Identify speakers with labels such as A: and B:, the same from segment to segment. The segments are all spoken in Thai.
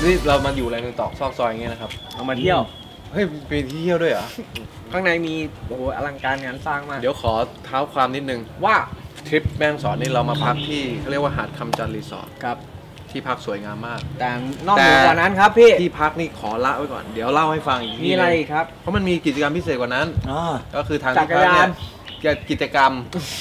A: นี่เรามาอยู่อะไรในตอกซอกซอยอย่างเงี้ยนะครับ
B: เอามาเที่ยว
A: เฮ้ยมีที่เที่ยวด้วยเหรอ
B: ข้างในมีโอ้โหอลังการงานสร้างมาก
A: เดี๋ยวขอเท้าความนิดนึง
B: ว่า
A: ทริปแม่ฮ่องสอนนี่เรามาพักที่เขาเรียกว่าหาดคำจันทร์รีสอร์ท
B: ครับ
A: ที่พักสวยงามมาก
B: แต่นอกเหนือกว่านั้นครับพี่
A: ที่พักนี่ขอละไว้ก่อนเดี๋ยวเล่าให้ฟังอีก
B: มีอะไรครับ
A: เพราะมันมีกิจกรรมพิเศษกว่านั้นก็คือทาง
B: จักรยาน
A: กิจกรรม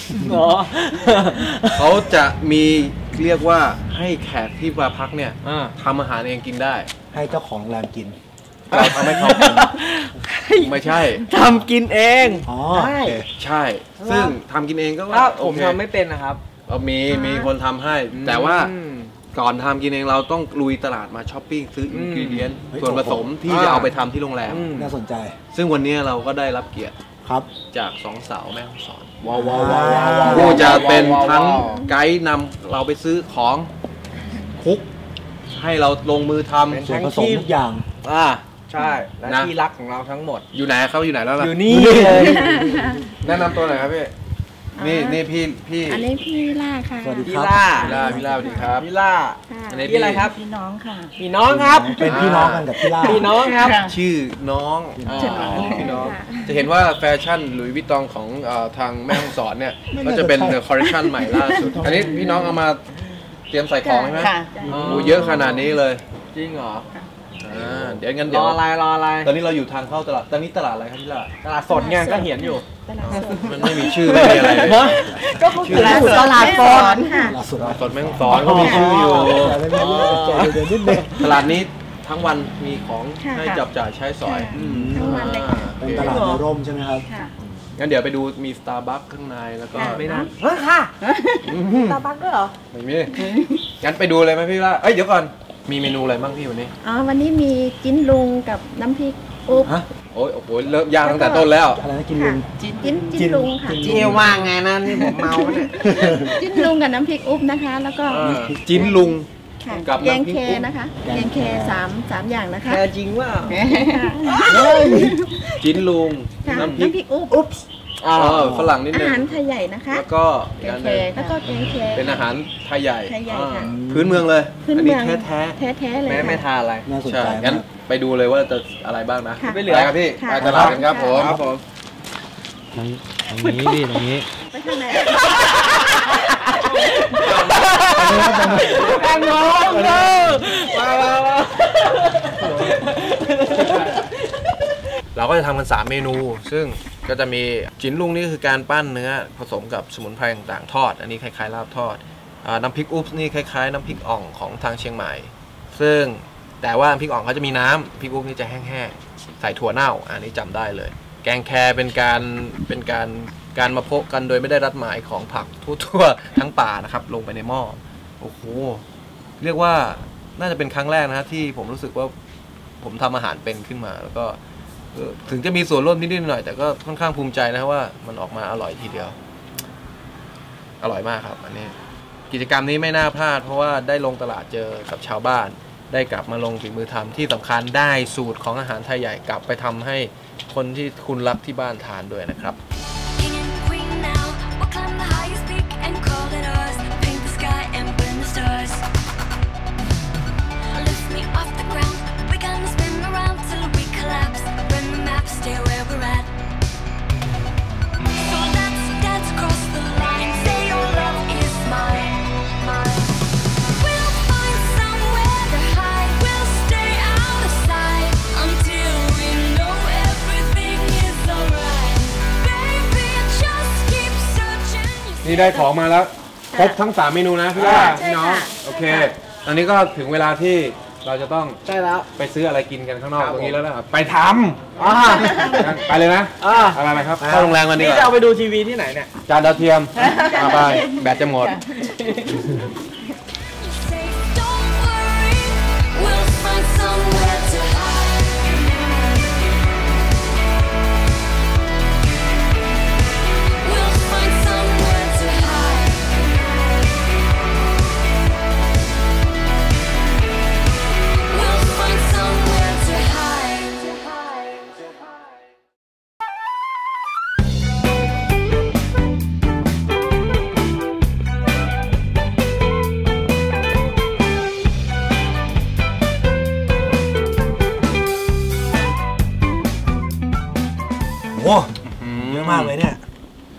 A: เขาจะมีเรียกว่าให้แขกที่มาพักเนี่ยทำอาหารเองกินได้
C: ให้เจ้าของโรงแรมกิน
A: ทำให้เขาไม่ใช่
B: ทำกินเอง
A: ใช่ซึ่งทำกินเองก็
B: ว่าผมทำไม่เป็นนะครับ
A: มีคนทำให้แต่ว่าก่อนทำกินเองเราต้องลุยตลาดมาช้อปปิ้งซื้ออินกรีเดียนส่วนผสมที่จะเอาไปทำที่โรงแรม
C: น่าสนใจ
A: ซึ่งวันนี้เราก็ได้รับเกียรติ
C: ครับ
A: จาก2สาวแม่ฮ่องสอน
B: ว้าว
A: ผู้จะเป็นทั้งไกด์นำเราไปซื้อของคุกให้เราลงมือทำ
C: ส่วนผสมทุกอย่าง
B: ใช่และที่รักของเราทั้งหมด
A: อยู่ไหนเขาอยู่ไหนแล้วล่ะ
B: อยู่นี่เลย
A: แนะนำตัวหน่อยครับพี่นี่พี่
D: อันนี้พี่ล่าค่ะ
C: สวัสดี
B: ครับ
A: พี่ล่าสวัสดีครับ
B: พี่ล่า
A: อันนี้
B: พี่อะไรครับ
D: พี่น้องค่ะ
B: พี่น้องครับ
C: เป็นพี่น้องกันกับพี่ล่า
B: พี่น้องครับ
A: ชื่อน้องพี่น้องจะเห็นว่าแฟชั่นหลุยส์วิตตองของทางแม่ฮ่องสอนเนี่ยก็จะเป็นคอลเลคชันใหม่ล่าสุดอันนี้พี่น้องเอามาเตรียมใส่ของใช่ไหมโอ้เยอะขนาดนี้เลย
B: จริงเหรอ
A: เดี๋ยวงั้น
B: รออะไร
A: ตอนนี้เราอยู่ทางเข้าตลาดตอนนี้ตลาดอะไรครับพี่ล่า
B: ตลาดสดไงก็เห็นอยู่
A: มันไม่มีชื่อไม่มีอะไรเลย
B: ก็เขาคือตลาดสด
D: ค่ะ
A: สดแม่ฮ่องสอนเขามีชื่ออยู่ตลาดนี้ทั้งวันมีของให้จับจ่ายใช้สอย
D: ทั้งวันเลย
C: เป็นตลาดในร่มใช่ไหมครับ
A: งั้นเดี๋ยวไปดูมีสตาร์บัคข้างในแล้วก็
B: ไม่นานค่ะ
D: สตาร์บัคด้วยเหรอ
A: ไม่มีงั้นไปดูเลยไหมพี่ล่าเดี๋ยวก่อนมีเมนูอะไรบ้างพี่วันนี้
D: วันนี้มีจิ้นลุงกับน้ำพริกอุ๊บ
A: โอ้โหเริ่มยากตั้งแต่ต้นแล้ว
C: อะไรนะกินลุง
D: จิ้นลุงค่ะ
B: จิ้นว่าไงนะนี่ผมเมาเนี่ย
D: จิ้นลุงกับน้ำพริกอุ๊บนะคะแล้วก็
A: จิ้นลุง
D: กับแกงเคนะคะแกงเค3อย่างนะคะ
B: แค่จริงว่า
A: จิ้นลุง
D: น้ำพริกอุ๊บ
A: ฝรั่งนิดนึง
D: อาหารไทยใหญ่นะคะ
A: แล้วก็
D: แกงเคแล้วก็แกงเค
A: เป็นอาหารไทยใหญ่
D: ค่ะ
A: พื้นเมืองเลย
D: อันนี้
A: แท้
D: เลย
A: ไม่
B: ทานอะไร
A: ใช่งั้นไปดูเลยว่าจะอะไรบ้างนะ
B: ไม่เหลือ
A: ครับพี่ไปตลาดกันครับผม
C: ตรงนี้ดิตรงนี้
D: ไปทางไหน
B: ทางโน้นเลยมา
A: เราก็จะทำกัน3เมนูซึ่งก็จะมีจิ้นลุงนี่คือการปั้นเนื้อผสมกับสมุนไพรต่างๆทอดอันนี้คล้ายๆลาบทอดน้ำพริกอุ๊บนี่คล้ายๆน้ำพริกอ่องของทางเชียงใหม่ซึ่งแต่ว่าพริกอ่องเขาจะมีน้ำพริกอุ๊บนี่จะแห้งๆใส่ถั่วเน่าอันนี้จำได้เลยแกงแคเป็นการมาพบกันโดยไม่ได้รัดหมายของผักทั่วๆทั้งป่านะครับลงไปในหม้อโอ้โหเรียกว่าน่าจะเป็นครั้งแรกนะที่ผมรู้สึกว่าผมทำอาหารเป็นขึ้นมาแล้วก็ถึงจะมีส่วนร่วมนิดๆหน่อยแต่ก็ค่อนข้างภูมิใจนะว่ามันออกมาอร่อยทีเดียวอร่อยมากครับอันนี้กิจกรรมนี้ไม่น่าพลาดเพราะว่าได้ลงตลาดเจอกับชาวบ้านได้กลับมาลงฝีมือทำที่สำคัญได้สูตรของอาหารไทยใหญ่กลับไปทำให้คนที่คุณรักที่บ้านทานด้วยนะครับนี่ได้ของมาแล้วครบทั้ง3เมนูนะพี่ล่าพี่น้องโอเคตอนนี้ก็ถึงเวลาที่เราจะต้อง
B: ใช่แล้ว
A: ไปซื้ออะไรกินกันข้างนอกตรงนี้แล้วนะครับไปทำไปเลยนะอะไรครับเข้าโรงแรมกันดีกว่า
B: จะเอาไปดูทีวีที่ไหนเนี่ย
A: จานดาวเทียมไปแบตจะหมด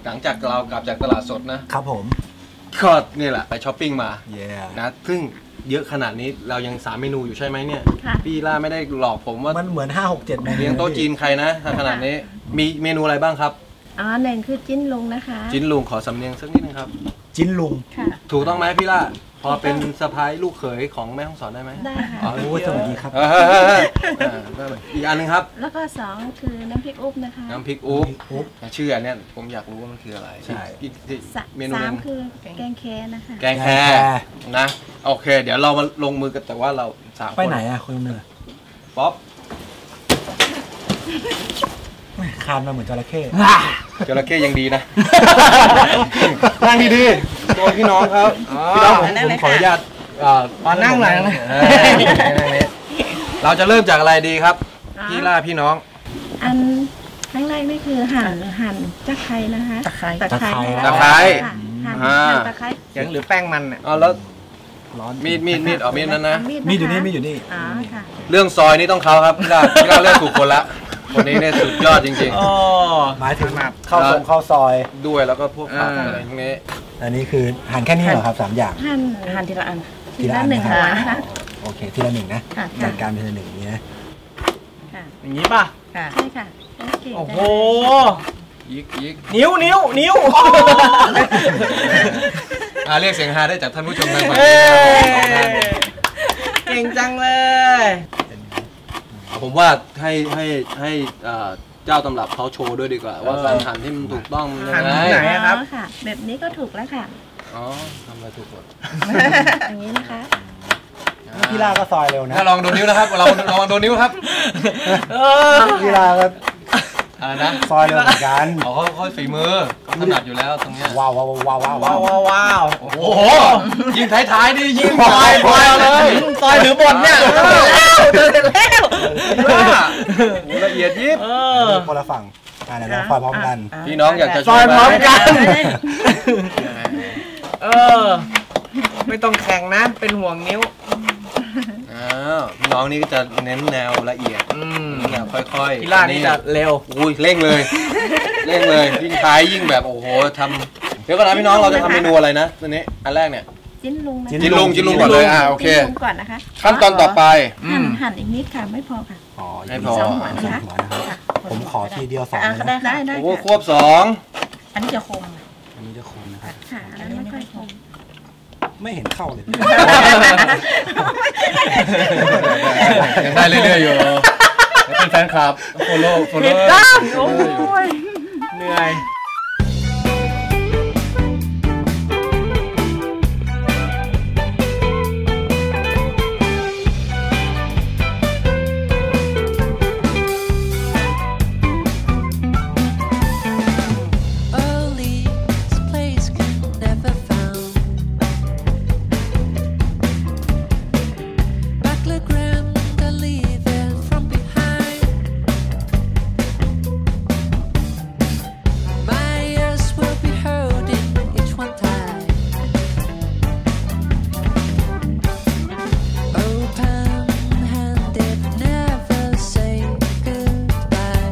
A: หลังจากเรากลับจากตลาดสดนะครับ
C: ผม
A: ก็นี่แหละไปช้อปปิ้งมา
C: เย้
A: นะซึ่งเยอะขนาดนี้เรายัง3เมนูอยู่ใช่ไหมเนี่ย
D: ค่ะ
A: พี่ล่าไม่ได้หลอกผมว่า
C: มันเหมือน 5-6-7 เมนู
A: เลี้ยงโต๊ะจีนใครนะถ้าขนาดนี้มีเมนูอะไรบ้างครับ
D: อ๋อหนึ่งคือจิ้นลุงนะคะ
A: จิ้นลุงขอสำเนียงสักนิดนึงครับ
C: จิ้นลุง
D: ค่ะ
A: ถูกต้องไหมพี่ล่าพอเป็นสะพ้ายลูกเขยของแม่ฮ่องสอนได้ไหม
D: ได้ค่ะ
A: อ๋อ
C: โอ้ยสวัสดีครับ
A: อีกอันหนึงครับ
D: แล้วก็สองคือน้ำพริกอุ๊บนะคะ
A: น้ำพริกอุ๊บ
C: อุ๊บ
A: ชื่ออันเนี้ยผมอยากรู้ว่ามันคืออะไร
C: ใช่
A: อีกเมนู
D: สา
A: หนึ
D: ม
A: ง
D: คือแกงแคนะคะ
A: แกงแครนะโอเค เดี๋ยวเรามาลงมือกันแต่ว่าเรา3 คน
C: ไปไหนอ่ะคุณเนย
A: ป๊อป
C: คานมาเหมือนจระเข้
A: จระเข้ยังดีนะ นั่งดีๆโดนพี่น้องครับพี่น้องผมขออนุญาต
B: นั่งหลังนะ
A: นั่งนี้เราจะเริ่มจากอะไรดีครับพี่ล่าพี่น้อง
D: อันครั้งแรกนี่คือหั่นตะไคร้นะคะตะไคร้
A: ตะไคร้
D: ค่ะหั่น
A: อ่า
D: ตะไคร้
B: เสียงหรือแป้งมันเนี่ย
A: เอาแล้ว
C: ร้อน
A: มีดเอามีดนั้นนะ
C: มีดอยู่นี่มีดอยู่นี่
D: อ๋อค่ะ
A: เรื่องซอยนี่ต้องเขาครับพี่ล่าเลือกถูกคนละคนนี้เนี่ยสุดยอดจริง
B: อ๋อ
C: หมายถึงเข้าทรงเข้าซอย
A: ๆ ด้วยแล้วก็พวกผักอะไรพวกนี้
C: อันนี้คือหั่นแค่นี้เหรอครับ3 อย่าง
D: หั่นทีละอัน
C: ที
D: ที
C: ละ
D: ละ
C: อัน
D: หนึ่ง
C: นะ
D: หัวนะคะ
C: โอเคทีละ 1นะ
D: ค่ะ
C: จัดการเป็นทีละ 1นี้นะ
D: ค่ะ
B: อย่างนี้ป่ะ
D: ค่ะใช่ค่ะโอเค
B: โอ้โห
A: ยิก
B: นิ้ว
A: เรียกเสียงฮาได้จากท่านผู้ชมทางฝั่ง
B: เอ้
A: นี้
B: ยเก่งจังเลย
A: ผมว่าให้เจ้าตำรับเขาโชว์ด้วยดีกว่า ว่าการหั่นที่มันถูกต้องมันยังไง
B: หั่นที่ไหน ครับ
D: อ๋อค่ะ แบบนี้ก็ถูกแล้วค่ะ
A: อ๋อทำอะไรถูกหมด
D: อย่างนี้นะคะ
C: พี่ลาก็ซอยเร็วนะ
A: ถ้าลองโดนนิ้วนะครับลองโดนนิ้วครับ
C: พี่ลาก็
A: อะไรนะ
C: ซอยเร็วเหมือนกัน
A: เขาฝีมือเขาถนัดอยู่แล้วตรงเนี้ย
C: ว้าว
B: ว้าว
A: โอ้โหยิงท้ายๆนี่ยิงปล่อยเลย
B: ซอยหรือบดเนี่ยเจอแล้ว
A: ละเอียดยิบ
C: คนละฝั่งเดี๋ยวเราซอยพร้อมกัน
A: พี่น้องอยากจะ
B: ซอยพร้อมกัน
D: เอ
B: ไม่ต้องแข่งนะ เป็นห่วงนิ้ว
A: พี่น้องนี่ก็จะเน้นแนวละเอียดแนวค่อยๆ
B: พี่ล่านี่จะเร็ว
A: อุ้ยเร่งเลยยิ่งท้ายยิ่งแบบโอ้โหทำเดี๋ยวก่อนนะพี่น้องเราจะทำเมนูอะไรนะตัวนี้อันแรกเนี่ย
D: จิ้นลุงนะคะ
A: จิ้นลุงก่อนเลยโอเค
D: จิ้นลุงก่อนนะคะ
A: ขั้นตอนต่อไป
D: หั่นอีกนิดค่ะไม่พอค่ะ
A: ให้พอ
D: สองหัวนะคะ
C: นะครับผมขอทีเดียว2
D: อ่า
C: เลยนะ
D: ได้
A: โอ้
D: ค่ะ
A: ควบ2
D: อันนี้จะคม
C: อันนี้จะคมนะครับ
D: ค่ะอันนี้ไม่ค่อยคม
C: ไม่เห็นเข้าเลย
A: ยังได้เรื่อยๆอยู่เป็นแฟนคลับโฟโล่
B: ผิดด้านโอ้ยเหนื่อย
E: Early place can never found. Background to leave it from behind. My ears will be holding each one time. Open-handed, never say goodbye.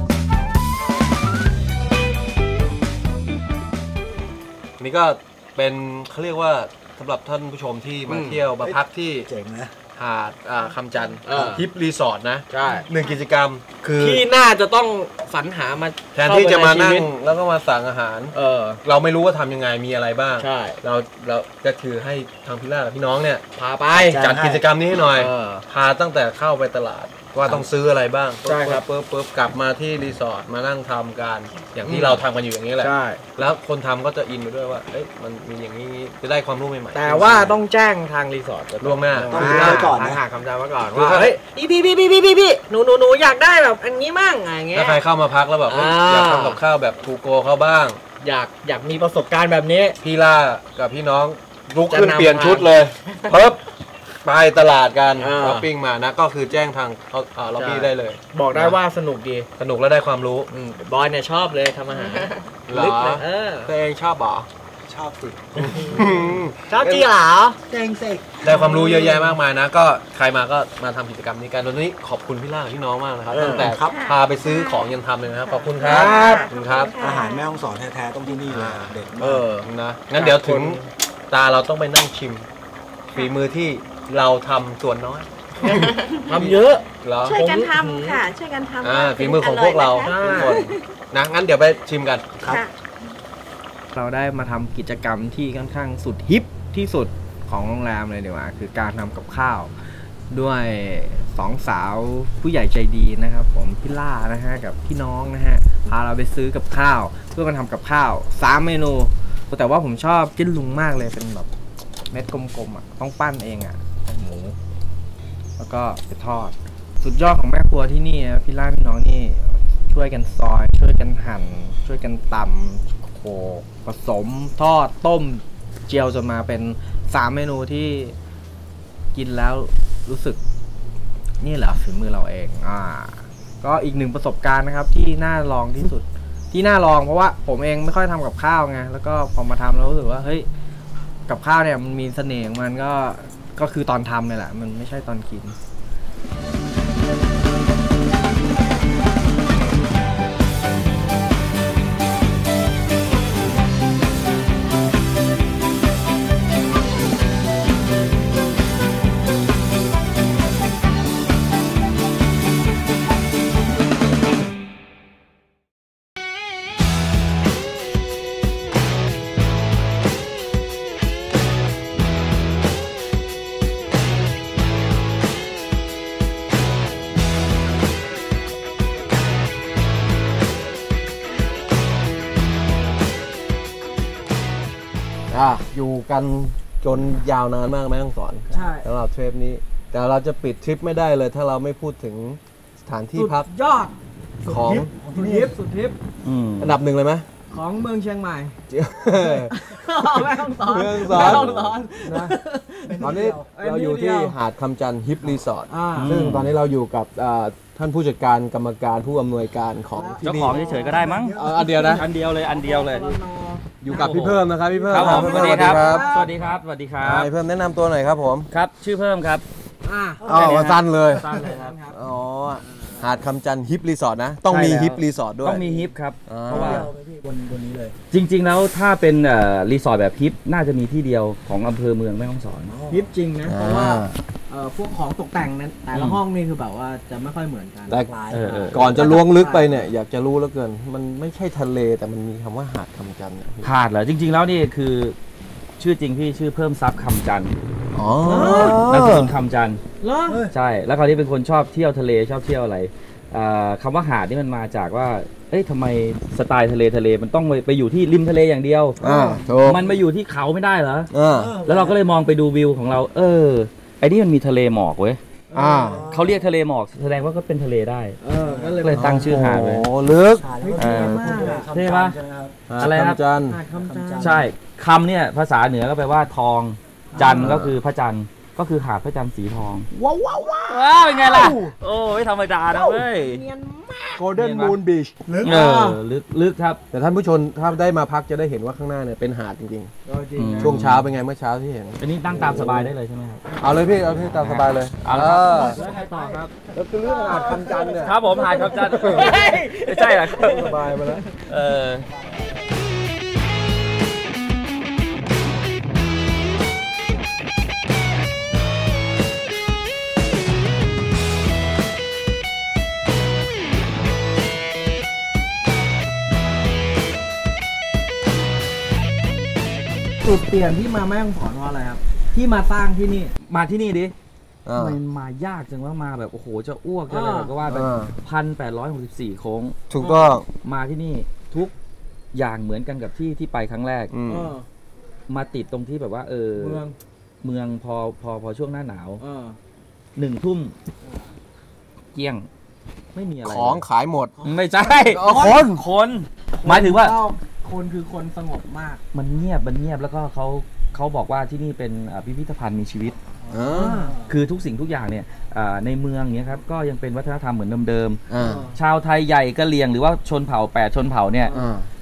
A: นี่ก็เป็นเขาเรียกว่าสำหรับท่านผู้ชมที่มาเที่ยวมาพักที่
C: เจ๋งนะ
A: หาดคำจันทร์
B: อ่า
A: ฮิปรีสอร์ทนะ
B: ใช่
A: 1 กิจกรรมคือ
B: ที่น่าจะต้องสรรหามา
A: แทนที่จะมานั่ง
B: เข้ไปใชีวิต
A: แล้วก็มาสั่งอาหาร เราไม่รู้ว่าทำยังไงมีอะไรบ้าง
B: ใช่
A: เราก็คือให้ทางพี่ล่ากับพี่น้องเนี่ย
B: พาไป
A: จัดกิจกรรมนี้ให้หน่อย
B: เออ
A: พาตั้งแต่เข้าไปตลาดว่าต้องซื้ออะไรบ้าง
B: ใช่ครับ
A: ปุ๊บกลับมาที่รีสอร์ทมานั่งทำกันอย่างที่เราทำกันอยู่อย่างนี้แหละ
B: ใช่
A: แล้วคนทำก็จะอินไปด้วยว่าเอ้ยมันมีอย่างนี้จะได้ความรู้ใหม่ๆ
B: แต่ว่าต้องแจ้งทางรีสอร์ท
A: ล่วงหน้า
C: ต้องรู้ไว้ก่อนนะ
B: ทางหาคำจำไว้ก่อน
A: คือ
B: ว่าเฮ้ยพี่หนูอยากได้แบบอันนี้มั่งอะไรเงี้
A: ถ้าย ใครเข้ามาพักแล้วแบบเอ้ยอยากทำกับข้าวแบบทูโกเขาบ้าง
B: อยากมีประสบการณ์แบบนี้
A: พี่ล่ากับพี่น้องลุกขึ้น
B: จะนำ
A: เปลี่ยนชุดเลยเพิ่บไปตลาดกัน
B: อ่า
A: ช้อปปิ้งมานะก็คือแจ้งทางล็อบบี้ได้เลย
B: บอกได้ว่าสนุกดี
A: สนุกและได้ความรู้
B: บอยเนี่ยชอบเลยทำอาหาร
A: เหรอ
B: ลึกเลย
A: ตัวเองชอบเหรอช
C: อบสิ
B: ชอบจริงเหรอ
C: เจ๋งสิ
A: ได้ความรู้เยอะแยะมากมายนะ ก็ใครมาก็มาทำกิจกรรมนี้กันวันนี้ขอบคุณพี่ล่าพี่น้องมากนะครับตั้งแต่พาไปซื้อของยันทำเลยนะครับขอบคุณครับขอบคุณครับ
C: อาหารแม่ฮ่องสอนแท้ๆต้องที่นี่เลยเด็ด
A: เอ
C: มาก
A: อนะงั้นเดี๋ยวถึงตาเราต้องไปนั่งชิมฝีมือที่เราทำส่วนน้อย
B: ทำเยอะ
A: เหรอ
D: ช่วยกันทำค่ะ ช่วยกันทำ
A: ฝีมือของพวกเรา
D: ออย
A: ทุก
D: นะคะ
A: คนนะงั้นเดี๋ยวไปชิมกัน
C: ครับ
D: ค่ะ
F: เราได้มาทำกิจกรรมที่ค่อนข้างสุดฮิปที่สุดของโรงแรมเลยดีกว่าคือการทำกับข้าว ด้วยสองสาวผู้ใหญ่ใจดีนะครับผมพี่ล่านะฮะกับพี่น้องนะฮะพาเราไปซื้อกับข้าวเพื่อมาทำกับข้าว3เมนูแต่ว่าผมชอบจิ้นลุงมากเลยเป็นแบบเม็ดกลมๆอ่ะต้องปั้นเองอ่ะหมูแล้วก็ไปทอดสุดยอดของแม่ครัวที่นี่นะพี่ล่าพี่น้องนี่ช่วยกันซอยช่วยกันหั่นช่วยกันตำโขลกผสมทอดต้มเจียวจนมาเป็น3เมนูที่กินแล้วรู้สึกนี่แหละฝีมือเราเองก็อีกหนึ่งประสบการณ์นะครับที่น่าลองที่สุดที่น่าลองเพราะว่าผมเองไม่ค่อยทำกับข้าวไงแล้วก็พอมาทำแล้วรู้สึกว่าเฮ้ยกับข้าวเนี่ยมันมีเสน่ห์ของมันก็คือตอนทำเนี่ยแหละมันไม่ใช่ตอนกิน
A: อยู่กันจนยาวนานมากแม่ต้องสอน
B: ใช่
A: สำหรับทริปนี้แต่เราจะปิดทริปไม่ได้เลยถ้าเราไม่พูดถึงสถานที่พัก
B: ยอด
A: ของ
B: สุดทิปสุดทิป
A: อันดับหนึ่งเลยไหม
B: ของเมืองเชียงใหม่
A: แม่
B: แม่ต้องสอน
A: เมืองสอน
B: แม่ต้องสอน
A: นะตอนนี้เราอยู่ที่หาดคำจันทร์ฮิปรีสอร์ท
B: อ่า
A: ซึ่งตอนนี้เราอยู่กับท่านผู้จัดการกรรมการผู้อำนวยการของที่
G: เจ้า
A: นี่
G: ของเฉยๆก็ได้มั้ง
A: อันเดียวนะ
G: อันเดียวเลยอันเดียวเลย
A: อยู่กับพี่เพิ่มนะครับพี่เพิ่ม
G: ครับผม
A: พี่
G: สวั
A: เพิ่
G: สดีครับ
A: บ
G: สวัสดีครับสวัสดีครับ
A: พี่เพิ่มแนะนำตัวหน่อยครับผม
G: ครับชื่อเพิ่มครับ
B: อ่า
A: มาสั้นเลย
G: สั้นเลยครับ
A: อ๋อหาดคำจันทร์ฮิปรีสอร์ทนะต้องมี
G: ใช่แล้ว
A: ฮิปรีสอร์ทด้วย
G: ต้องมีฮิปครับ
A: อ่า
G: เพราะว่า
C: บนนี้เลย
G: จริงๆแล้วถ้าเป็นรีสอร์ทแบบฮิปน่าจะมีที่เดียวของอำเภอเมืองแม่ฮ่องสอน
B: ทิปจริงนะ เพราะว่า
A: อ่า
B: พวกของตกแต่งนั้นแต่ละห้องนี่คือแบบว่าจะไม่ค่อยเหมือนกัน
A: แต่
G: เออ
A: ก่อนจะล้วงลึกไปเนี่ยอยากจะรู้แล้วเกิน มันไม่ใช่ทะเลแต่มันมีคำว่าหาดคำจันทร์เนี่ย
G: หาดเหรอจริง ๆ แล้วนี่คือชื่อจริงพี่ชื่อเพิ่มทรัพย์คำจันทร์
A: อ๋อ
G: นามสกุลคำจันทร์
B: เหรอ
G: ใช่แล้วคราวนี้เป็นคนชอบเที่ยวทะเลชอบเที่ยวอะไรคำว่าหาดนี่มันมาจากว่าเอ้ยทำไมสไตล์ทะเลมันต้องไปอยู่ที่ริมทะเลอย่างเดียว
A: ถูก
G: มันมาอยู่ที่เขาไม่ได้เหรอ
A: อ่า
G: แล้วเราก็เลยมองไปดูวิวของเรา ไอ้นี่มันมีทะเลหมอกเว้ย
A: อ่า
G: เขาเรียกทะเลหมอกแสดงว่าก็เป็นทะเลได้
B: ก็เลย
G: ก็เลยตั้งชื่อหาดเลย
A: โอ้ลึก
G: เออ ใช่ปะ
A: หาด
G: อะไรครับ
A: คำจันทร์
B: หาดคำจันทร์
G: ใช่คำเนี่ยภาษาเหนือก็แปลว่าทอง จันทร์ก็คือพระจันทร์ก็คือหาดพระจันทร์สีทอง
A: ว้าว
G: เป็นไงล่ะ โอ้ไม่ธรรมดานะเว้ย
A: โกลเด้นมูนบีช
G: ลึกครับ
A: แต่ท่านผู้ชมถ้าได้มาพักจะได้เห็นว่าข้างหน้าเนี่ยเป็นหาดจริง
B: จริง
A: ๆ ช่วงเช้าเป็นไงเมื่อเช้าที่เห็น
G: อันนี้นั่งตามสบายได้เลยใช่ไหมครับ
A: เอาเลยพี่เอาที่ตามสบายเลย
G: เอาละครับ
B: แล้วใครต่อครับ
A: แล้วคือเรื่องหาดคำจันทร์เนี่ย
G: ครับผมหาดครับจันทร์ไม่ใช่เหรอ
A: สบายไปแล้ว
G: เออ
B: จุดเปลี่ยนที่มาแม่ฮ่องสอนว่าอะไรครับ ที่มาสร้างที่นี่
G: มาที่นี่ดิ
A: อ่า
G: มันมายากจังว่ามาแบบโอ้โหจะอ้วกจะอะไร
B: อ่า
G: ก็ว่าแบบ
A: อ่า
G: 1,864 โค้ง
A: ถูกต้อง
G: มาที่นี่ทุกอย่างเหมือนกันกับที่ไปครั้งแรก
A: อืม
B: เออ
G: มาติดตรงที่แบบว่า
B: เมือง
G: เมืองพอช่วงหน้าหนาว
B: เออ
G: 1 ทุ่มเกลี้ยงไม่มีอะไร
A: ของขายหมด
G: ไม่ใช่ คนหมายถึงว่า
B: คนคือคนสงบมาก
G: มันเงียบแล้วก็เขาบอกว่าที่นี่เป็นพิพิธภัณฑ์มีชีวิต คือทุกสิ่งทุกอย่างเนี่ยในเมืองเนี้ยครับก็ยังเป็นวัฒนธรรมเหมือนเดิม
A: อ่า
G: ๆชาวไทยใหญ่กะเหรี่ยงหรือว่าชนเผ่า8ชนเผ่าเนี่ย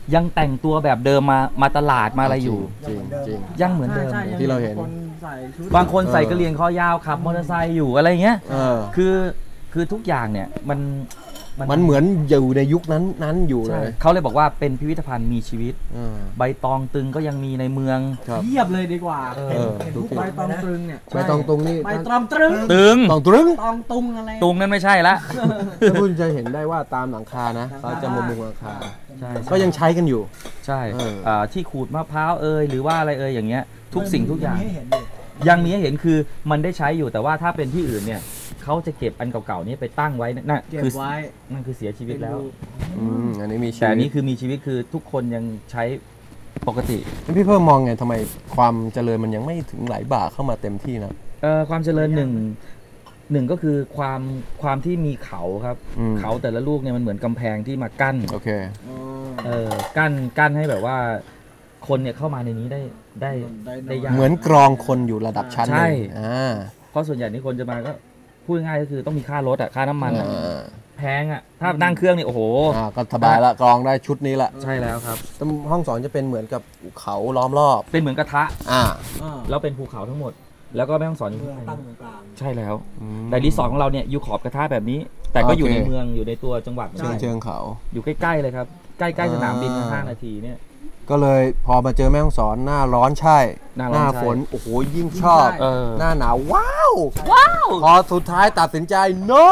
G: ยังแต่งตัวแบบเดิมมาตลาดมาอะไรอยู่
A: จริงจริง
G: ยังเหมือนเดิม
B: ใช่
A: ที่เราเห็น
B: คนใส่ชุด
G: บางคนใส่กระเหรี่ยงคอยาวขับมอเตอร์ไซค์อยู่อะไรเงี้ย
A: เออ
G: คือทุกอย่างเนี่ยมัน
A: มันเหมือนอยู่ในยุคนั้นอยู่เล
G: ใช่
A: ย
G: เขาเลยบอกว่าเป็นพิพิธภัณฑ์มีชีวิต
A: เออ
G: ใบตองตึงก็ยังมีในเมือง
A: ครับ
B: เทียบเลยดีกว่า
G: เออ
B: เห็นทุกใบตองตรึงเนี่ย
A: ใบตองตุงนี่
B: ใบตองตรึง
G: ตึง
A: ตองตรึง
B: ตองตุงอะไร
G: ตุงนั่นไม่ใช่ละ
A: ถ้าคุณจะเห็นได้ว่าตามหลังคานะเขาจะมุงหลังคา
G: ใช่
A: ก็ยังใช้กันอยู่
G: ใช่
A: เออ
G: ที่ขูดมะพร้าวหรือว่าอะไรอย่างเงี้ยทุกสิ่งทุกอย่าง
C: มีให้เห็นอยู่
G: ยังมีให้เห็นคือมันได้ใช้อยู่แต่ว่าถ้าเป็นที่อื่นเนี่ยเขาจะเก็บอันเก่าๆนี้ไปตั้งไว้นั่น
B: เก็บ
G: คือ
B: ไว้
G: นั่นคือเสียชีวิตแล้ว
A: อันนี้มีชี
G: แต่อัน
A: วิ
G: นี้
A: ต
G: คือมีชีวิตคือทุกคนยังใช้ปกติ
A: พี่เพิ่มมองไงทำไมความเจริญมันยังไม่ถึงไหลบ่าเข้ามาเต็มที่นะ
G: ความเจริญหนึ่งก็คือความที่มีเขาครับ
A: อืม
G: เขาแต่ละลูกเนี่ยมันเหมือนกำแพงที่มากั้น
A: โอเค
G: กั้นให้แบบว่าคนเนี่ยเข้ามาในนี้ได้ยาก
A: เหมือนกรองคนอยู่ระดับชั้นห
G: ใช่
A: นึ่ง
G: เพราะส่วนใหญ่ที่คนจะมาก็พูดง่ายๆก็คือต้องมีค่ารถค่าน้ำมันอะ
A: อ่า
G: แพงอ่ะถ้านั่งเครื่องนี่โอ้โห
A: ก็สบายละกรองได้ชุดนี้ละ
G: ใช่แล้วครับ
A: ห้องสอนจะเป็นเหมือนกับเขาล้อมรอบ
G: เป็นเหมือนกระทะ
A: อ่า
G: แล้วเป็นภูเขาทั้งหมด แล้วก็แม่ห้องสอนอยู่
C: เมือง
G: ข้างใน
C: ตั้งตรงกลาง
G: ใช่แล้ว แต่รีสอร์ทของเราเนี่ยอยู่ขอบกระทะแบบนี้ แต่ก็อยู่ในเมืองอยู่ในตัวจังหวัด
A: เชิงเขา
G: อยู่ใกล้ๆเลยครับ ใกล้ๆสนามบิน5 นาทีเนี่ย
A: ก็เลยพอมาเจอแม่ฮ่องสอนหน้าร้อนใช่
G: หน้าร้อนใช่
A: ฝนโอ้โหยิ่งชอบ หน้าหนาวว้าว พอสุดท้ายตัดสินใจ no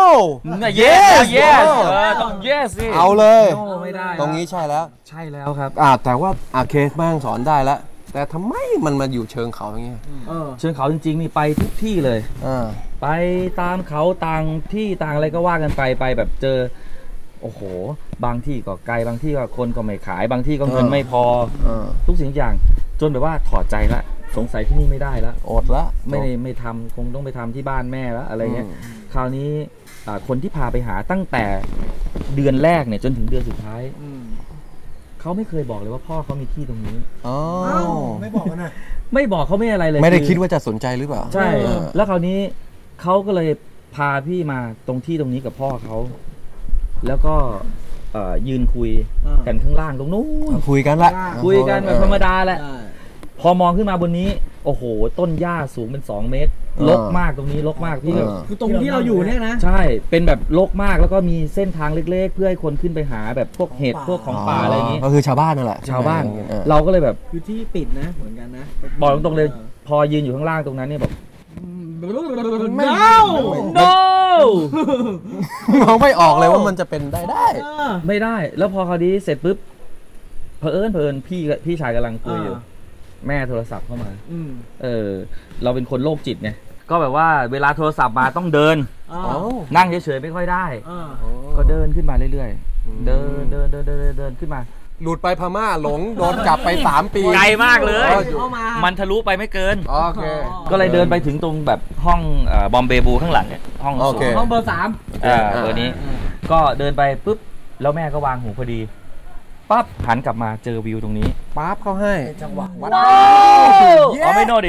G: yes ต้อง yes สิ
A: เอาเลย
G: โนไม่ได้
A: ตรงนี้ใช่แล้ว
G: ใช่แล้วครับ
A: แต่ว่าเคสแม่ฮ่องสอนได้แล้ว แต่ทำไมมันมาอยู่เชิงเขาอย่างเงี้ย
G: เชิงเขาจริงๆนี่ไปทุกที่เลย ไปตามเขาต่างที่ต่างอะไรก็ว่ากันไปแบบเจอโอ้โหบางที่ก็ไกลบางที่ก็คนก็ไม่ขาย บางที่ก็เงินไม่พอทุกสิ่งทุกอย่างจนแบบว่าถอดใจละสงสัยที่นี่ไม่ได้ละ
A: อดละ
G: ไม่ทำคงต้องไปทำที่บ้านแม่แล้วอะไรเงี้ยคราวนี้คนที่พาไปหาตั้งแต่เดือนแรกเนี่ยจนถึงเดือนสุดท้ายเขาไม่เคยบอกเลยว่าพ่อเขามีที่ตรงนี้
C: ไม่บอกกันนะ
G: ไม่บอกเขาไม่อะไรเลย
A: ไม่ได้คิดว่าจะสนใจหรือเปล่า
G: ใช่แล้วคราวนี้เขาก็เลยพาพี่มาตรงที่ตรงนี้กับพ่อเขาแล้วก็ยืนคุยกันข้างล่างตรงนู้น
A: คุยกันละ
G: คุยกันแบบธรรมดาแหละพอมองขึ้นมาบนนี้โอ้โหต้นหญ้าสูงเป็น2 เมตรรกมากตรงนี้รกมากพี่แบบ
B: คือตรงที่เราอยู่เนี่ยนะ
G: ใช่เป็นแบบรกมากแล้วก็มีเส้นทางเล็กๆ เพื่อให้คนขึ้นไปหาแบบพวกเห็ดพวกของป่าอะไรอย่างนี้
A: ก็คือชาวบ้านนั่นแหละ
G: ชาวบ้าน
A: เออ
G: เราก็เลยแบบ
B: คือที่ปิดนะเหมือนกันนะ
G: บอกตรงๆเลยพอยืนอยู่ข้างล่างตรงนั้นเนี่ยแบบ
B: ไม่
G: no
A: มองไม่ออกเลยว่ามันจะเป็นได้
G: ไม่ได้แล้วพอคราวนี้เสร็จปุ๊บเผอิญพี่ชายกำลังคุยอยู่แม่โทรศัพท์เข้ามาเราเป็นคนโรคจิตไงก็แบบว่าเวลาโทรศัพท์มาต้องเดินนั่งเฉยๆไม่ค่อยได้ ก็เดินขึ้นมาเรื่อยๆเดินขึ้นมา
A: หลุดไปพม่าหลงโดนจับไป3 ปี
G: ไกลมากเลย
B: เข้ามา
G: มันทะลุไปไม่เกิน
A: โอเค
G: ก็เลยเดินไปถึงตรงแบบห้องบอมเบบูข้างหลังเนี่ยห้อง
A: โอเค
B: ห้องเบอร์ 3
G: เบอร์นี้ ก็เดินไปปุ๊บแล้วแม่ก็วางหูพอดีปั๊บหันกลับมาเจอวิวตรงนี้
A: ป๊าบเขาให้
C: จังหวะวัด
G: อ๋อไม่โนเดี๋ยว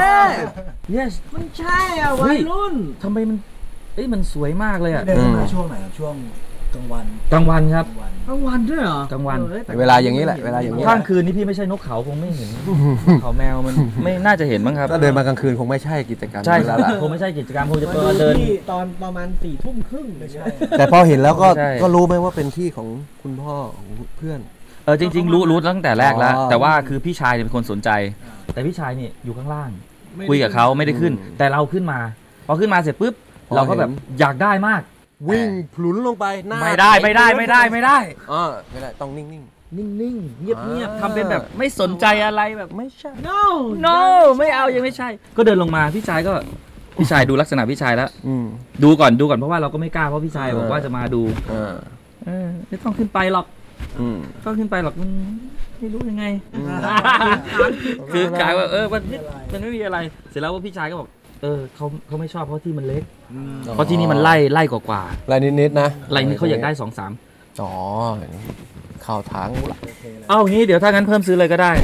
G: yes
B: มันใช่อ่ะวัยรุ่น
G: ทำไมมันสวยมากเลยอ่ะ
C: เดินมาช่วงไหนครับช่วงกลางวัน
G: กลางวันครับ
B: กลางวันด้วยเหรอก
G: ลางวัน
A: เวลาอย่างนี้แหละเวลาอย่างนี้
G: ข้างคืนนี่พี่ไม่ใช่นกเขาคงไม่เห็น เขาแมวมันไม่น่าจะเห็นมั้งครับ
A: ถ้าเดินมากลางคืนคงไม่ใช่กิจกรรม
G: ใช่
A: นี้แล้วล่ะ
G: คงไม่ใช่กิจกรรมคงจะ
B: มา
G: เปิ
B: ดู
G: ดเดิน
B: ที่ตอนประมาณ4 ทุ่มครึ่งไม่ใช่
A: แต่พอเห็นแล้วก็
G: ใช่
A: ก็รู้ไหมว่าเป็นที่ของคุณพ่อของเพื่อน
G: จริงๆรู้ตั้งแต่แรกแล้ว
A: อ๋อ
G: แต่ว่าคือพี่ชายเนี่ยเป็นคนสนใจ แต่พี่ชายเนี่ยอยู่ข้างล่าง คุยกับเขาไม่ได้ขึ้น แต่เราขึ้นมาพอขึ้นมาเสร็จปุ๊บเราก็แบบอยากได้มาก
A: วิ่งพลุนลงไปหน้า
G: ไม่ได้ไม่ได้
A: ต้องนิ่ง
G: นิ่งๆเงียบๆทำเป็นแบบไม่สนใจอะไรแบบ
A: ๆไม่ใช่
B: no
G: no ไม่เอายังไม่ใช่ ก็เดินลงมาพี่ชายดูลักษณะพี่ชายแล้ว ดูก่อนเพราะว่าเราก็ไม่กล้าเพราะพี่ชายบอกว่าจะมาดูไม่ต้องขึ้นไปหรอกต้องขึ้นไปหรอกมันไม่รู้ยังไง คือกายว่ามันไม่มีอะไร เสร็จแล้วว่าพี่ชายก็บอกเขาไม่ชอบเพราะที่มันเล็กเพราะที่นี่มันไล่กว่า
A: ลายนิดๆนะ
G: ไล่นี่เขาอยากได้ 2-3
A: อ๋อเข้าทางละ
G: เอางี้เดี๋ยวถ้างั้นเพิ่มซื้อเลยก็ได้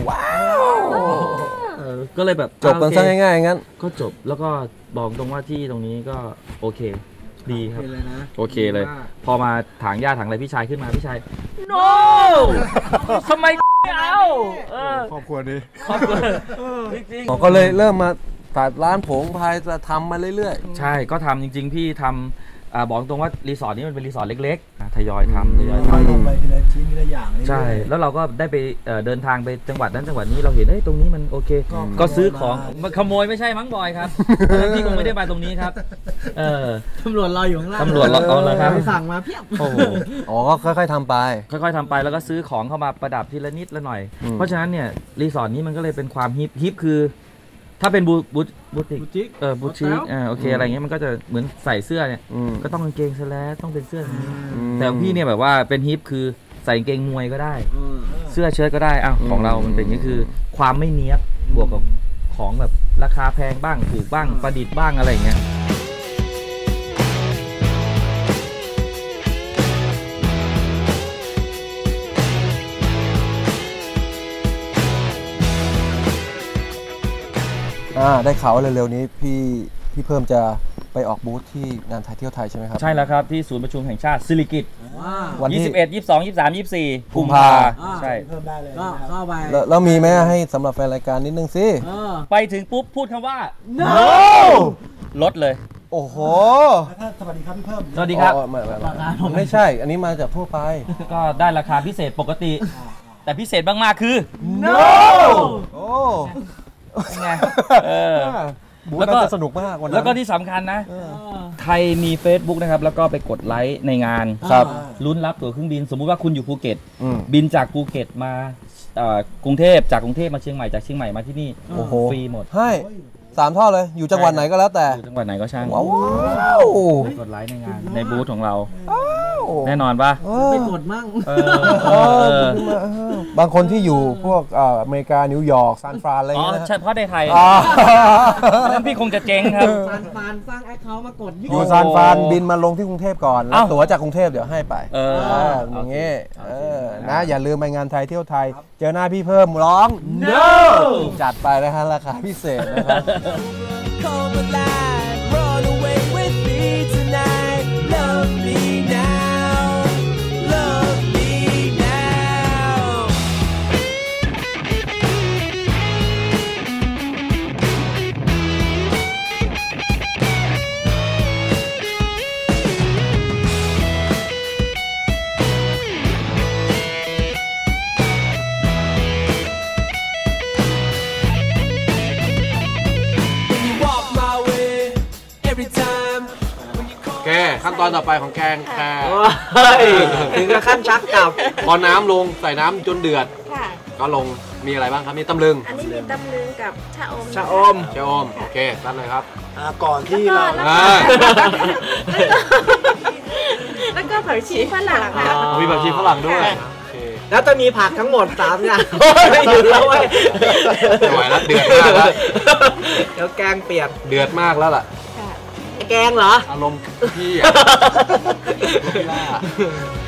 G: ก็เลยแบบ
A: จบกันซะง่ายๆงั้น
G: ก็จบแล้วก็บอกตรงว่าที่ตรงนี้ก็โอเคดีครับ
C: เลยนะ
G: โอเคเลย พอมาถางหญ้าถางอะไรพี่ชายขึ้นมาพี่ชาย no ทำไมไม่เอา
C: ครอบครัวนี้
G: ครอบครัวจริง
A: ก็เลยเริ่มมาตัดร้านผงพายจะทำมาเรื่อย
G: ๆใช่ก็ทำจริง ๆ พี่ทำบอกตรงว่ารีสอร์ทนี้มันเป็นรีสอร์ทเล็กๆทยอยทำ
C: ค่อยลงไปทีละชิ้นทีละอย่าง
G: ใช่แล้วเราก็ได้ไปเดินทางไปจังหวัดนั้นจังหวัดนี้เราเห็นตรงนี้มันโอเคก็ซื้อของมาขโมยไม่ใช่มั้งบอยครับพี่คงไม่ได้มาตรงนี้ครับ
B: ตำรวจรออยู่ข้างล่าง
G: ตำรวจรอแล้วครับ
B: สั่งมาเพียบ
G: โอ้โห
A: อ๋อก็ค่อยๆทำไป
G: ค่อยๆทำไปแล้วก็ซื้อของเข้ามาประดับทีละนิดละหน่อย เพราะฉะนั้นเนี่ยรีสอร์ทนี้มันก็เลยเป็นความฮิปคือ ถ้าเป็นบูติกบูติกโอเคอะไรเงี้ยมันก็จะเหมือนใส่เสื้อเนี่ยก็ต้องกางเกงสแลกต้องเป็นเสื้ออย่างนี้แต่ของพี่เนี่ยแบบว่าเป็นฮิปคือใส่กางเกงมวยก็ได้เสื้อเชิ้ตก็ได้อ้าวของเรามันเป็นอย่างนี้คือความไม่เนี้ยบบวกกับของแบบราคาแพงบ้างถูกบ้างประดิษฐ์บ้างอะไรเงี้ย
A: ได้ข่าวว่าเร็วๆนี้พี่เพิ่มจะไปออกบูธที่งานไทยเที่ยวไทยใช่ไหมครับ
G: ใช่แล้วครับที่ศูนย์ประชุมแห่งชาติสิริกิติ์
A: วันที่
G: 21 22 23 24กุมภาใช่
C: เพิ่มได้เลย
B: ก็เข้าไป
A: แล้วมีไหมให้สำหรับแฟนรายการนิดนึงสิ
G: ไปถึงปุ๊บพูดคำว่า
B: no
G: ลดเลย
A: โอ้โห
C: ถ้าสวัสดีครับพี่เพิ่ม
G: สวัสดีครับ
A: ไม่ใช่ อันนี้มาจากทั่วไป
G: ก็ได้ราคาพิเศษปกติ แต่พิเศษมากๆคือ
B: no
A: โอ้
G: ไง
A: บูธน่าจะสนุกมากวันนั้น
G: แล้วก็ที่สำคัญนะใครมี Facebook นะครับแล้วก็ไปกดไลค์ในงาน
A: ครับ
G: ลุ้นรับตั๋วเครื่องบินสมมุติว่าคุณอยู่ภูเก็ตบินจากภูเก็ตมากรุงเทพจากกรุงเทพมาเชียงใหม่จากเชียงใหม่มาที่นี่ฟรีหมด
A: ให้3 ท่อเลยอยู่จังหวัดไหนก็แล้วแต่
G: อยู่จังหวัดไหนก็ช่าง
A: ว้าว
G: กดไลค์ในงานในบูธของเราแน่นอนปะ
B: ไม่กดมั่ง
A: บางคนที่อยู่พวกอเมริกานิวยอร์กซานฟรานอะไรอย่างเงี้ย
G: เฉพาะในไทยนั้นพี่คงจะเจ๊งครับ
B: ซานฟรานสร้างแอคเคาท์มากด
A: อยู่ซานฟรานบินมาลงที่กรุงเทพก่อนแล้วตั๋วจากกรุงเทพเดี๋ยวให้ไปอย่างเงี้ยนะอย่าลืมไปงานไทยเที่ยวไทยเจอหน้าพี่เพิ่มร้อง
G: no
A: จัดไปนะฮะราคาพิเศษนะครับ
E: Come alive, run away with me tonight. Love me now, love me now.
A: แกขั้นตอนต่อไปของแกงแก
B: ถึงกับขั้นชักกลับ
A: พอน้ำลงใส่น้ำจนเดือด
D: ค่ะ
A: ก็ลงมีอะไรบ้างครับมีตำลึง
D: อันนี้มีตำลึงกับชะอม
B: ชะอม
A: เชอมโอเคตั้งเลยครับ
C: ก่อนที่เรา
D: แล้วก็ผักชีฝรั่งค่ะ
A: มีแบบชีฝรั่งด้วย
B: แล้วจะมีผักทั้งหมด3 อย่างไม่หยุดแล้วเว้ย
A: ไม่ไหวแล้วเดือดมากแล้ว
B: เดี๋ยวแกงเปียก
A: เดือดมากแล้วล่ะ
B: แกงเหรอ
A: อารมณ์พี่อะ